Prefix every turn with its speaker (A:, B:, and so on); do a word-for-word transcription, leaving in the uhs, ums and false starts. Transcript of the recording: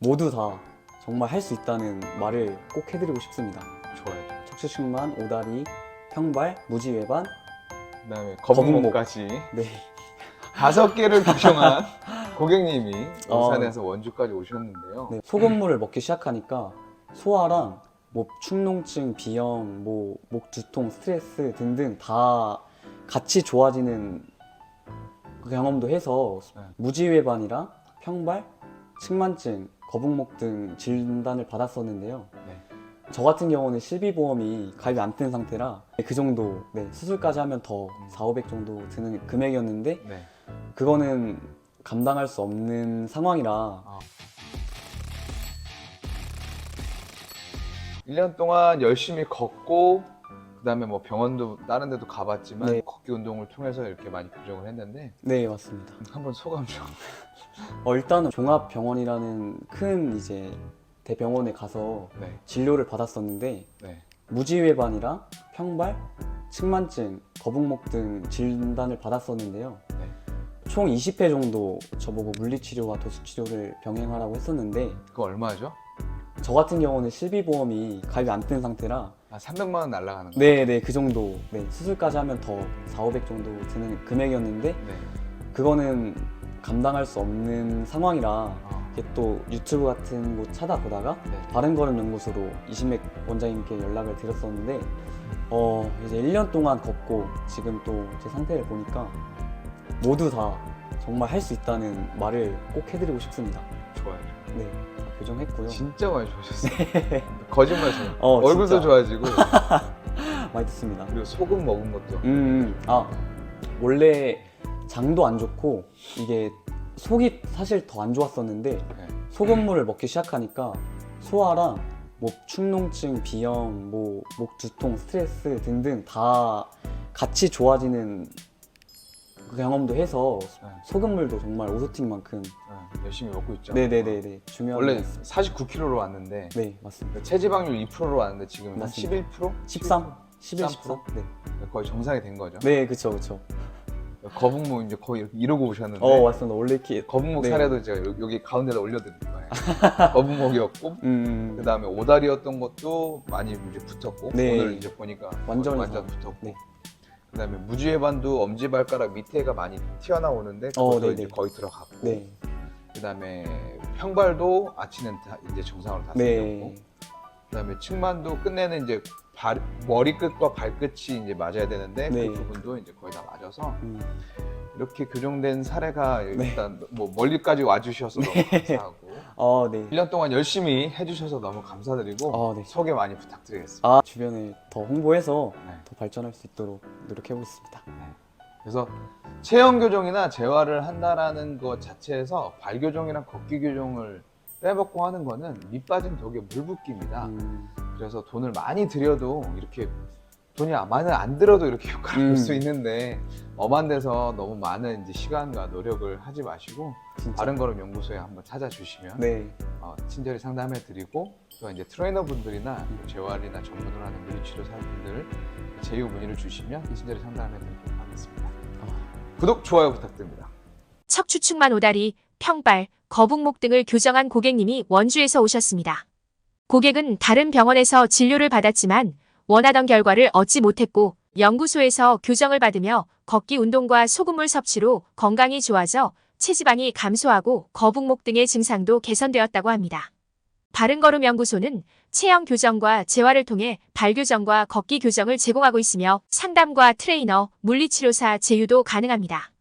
A: 모두 다 정말 할 수 있다는 말을 꼭 해드리고 싶습니다.
B: 좋아요.
A: 척추측만, 오다리, 평발, 무지외반,
B: 그다음에 거북목까지
A: 네.
B: 다섯 개를 규정한 고객님이
A: 어.
B: 울산에서 원주까지 오셨는데요.
A: 네, 소금물을 먹기 시작하니까 소화랑 뭐 축농증, 비염, 뭐 목 두통, 스트레스 등등 다 같이 좋아지는 그 경험도 해서
B: 네.
A: 무지외반이랑 평발, 측만증, 거북목 등 진단을 받았었는데요.
B: 네.
A: 저 같은 경우는 실비보험이 가입이 안 된 상태라 그 정도, 네, 수술까지 하면 더 사오백 정도 드는 금액이었는데
B: 네.
A: 그거는 감당할 수 없는 상황이라
B: 아. 일 년 동안 열심히 걷고 그다음에 뭐 병원도 다른 데도 가봤지만
A: 네.
B: 걷기 운동을 통해서 이렇게 많이 교정을 했는데
A: 네, 맞습니다.
B: 한번 소감 좀.
A: 어, 일단은 종합병원이라는 큰 이제 대병원에 가서
B: 네.
A: 진료를 받았었는데
B: 네.
A: 무지외반이랑 평발, 측만증, 거북목 등 진단을 받았었는데요.
B: 네.
A: 총 이십 회 정도 저보고 물리치료와 도수치료를 병행하라고 했었는데
B: 그거 얼마죠?
A: 저 같은 경우는 실비보험이 가입이 안 된 상태라
B: 아, 삼백만 원 날라가는 거.
A: 네네 그 정도, 네, 수술까지 하면 더 사오백 정도 드는 금액이었는데
B: 네.
A: 그거는 감당할 수 없는 상황이라
B: 아,
A: 이게 또 유튜브 같은 곳 찾아보다가
B: 네.
A: 바른걸음연구소로 이신맥 원장님께 연락을 드렸었는데 어 이제 일 년 동안 걷고 지금 또 제 상태를 보니까 모두 다 정말 할 수 있다는 말을 꼭 해드리고 싶습니다.
B: 좋아요.
A: 네, 다 교정했고요.
B: 진짜 많이 좋아졌어요. 거짓말 쳐.
A: 어,
B: 얼굴도
A: 진짜.
B: 좋아지고
A: 많이 듣습니다.
B: 그리고 소금 먹은 것도.
A: 음, 음. 아 원래 장도 안 좋고 이게 속이 사실 더 안 좋았었는데
B: 네.
A: 소금물을 먹기 시작하니까 소화랑 뭐 축농증, 비염, 뭐 목 두통, 스트레스 등등 다 같이 좋아지는 그 경험도 해서
B: 네.
A: 소금물도 정말 오소팅만큼
B: 네, 열심히 먹고 있죠.
A: 네네네네 중요한
B: 원래
A: 것 같습니다.
B: 사십구 킬로그램로 왔는데
A: 네 맞습니다.
B: 체지방률 이 퍼센트로 왔는데 지금 한
A: 맞습니다.
B: 십일 퍼센트?
A: 십삼, 십일,
B: 십삼
A: 십사. 네,
B: 거의 정상이 된 거죠.
A: 네 그쵸 그쵸.
B: 거북목 이제 거의 이렇게 이러고 오셨는데
A: 어 맞습니다. 원래 이렇게
B: 거북목
A: 네.
B: 사례도 제가 여- 여기 가운데다 올려드릴 거예요. 거북목이었고
A: 음
B: 그 다음에 오다리였던 것도 많이 이제 붙었고
A: 네.
B: 오늘 이제 보니까
A: 완전히
B: 완전
A: 다.
B: 붙었고
A: 네.
B: 그 다음에 무지외반도 엄지발가락 밑에가 많이 튀어나오는데
A: 어,
B: 그것도
A: 네네.
B: 이제 거의 들어갔고
A: 네.
B: 그 다음에 평발도 아치는 다 이제 정상으로 다
A: 네.
B: 생겼고 그 다음에 측만도 끝내는 이제 발, 머리끝과 발끝이 이제 맞아야 되는데
A: 네.
B: 그 부분도 이제 거의 다 맞아서
A: 음,
B: 이렇게 교정된 사례가
A: 네.
B: 일단 뭐 멀리까지 와주셔서 너무 감사하고
A: 어, 네.
B: 일 년 동안 열심히 해주셔서 너무 감사드리고
A: 어, 네.
B: 소개 많이 부탁드리겠습니다.
A: 아, 주변에 더 홍보해서
B: 네.
A: 더 발전할 수 있도록 노력해보겠습니다.
B: 그래서 체형 교정이나 재활을 한다라는 것 자체에서 발 교정이랑 걷기 교정을 빼먹고 하는 거는 밑 빠진 독에 물 붓기입니다.
A: 음,
B: 그래서 돈을 많이 들여도 이렇게 돈이 많이 안 들어도 이렇게 효과를
A: 음.
B: 볼 수 있는데 엄한 데서 너무 많은 이제 시간과 노력을 하지 마시고
A: 진짜.
B: 바른걸음 연구소에 한번 찾아주시면
A: 네.
B: 어, 친절히 상담해드리고 또 이제 트레이너 분들이나 재활이나 전문으로 하는 물리치료사분들 제휴 문의를 주시면 친절히 상담해드리도록 하겠습니다.
A: 아,
B: 구독, 좋아요 부탁드립니다.
C: 척추측만 오다리, 평발, 거북목 등을 교정한 고객님이 원주에서 오셨습니다. 고객은 다른 병원에서 진료를 받았지만 원하던 결과를 얻지 못했고 연구소에서 교정을 받으며 걷기 운동과 소금물 섭취로 건강이 좋아져 체지방이 감소하고 거북목 등의 증상도 개선되었다고 합니다. 바른걸음 연구소는 체형 교정과 재활을 통해 발 교정과 걷기 교정을 제공하고 있으며 상담과 트레이너, 물리치료사 제휴도 가능합니다.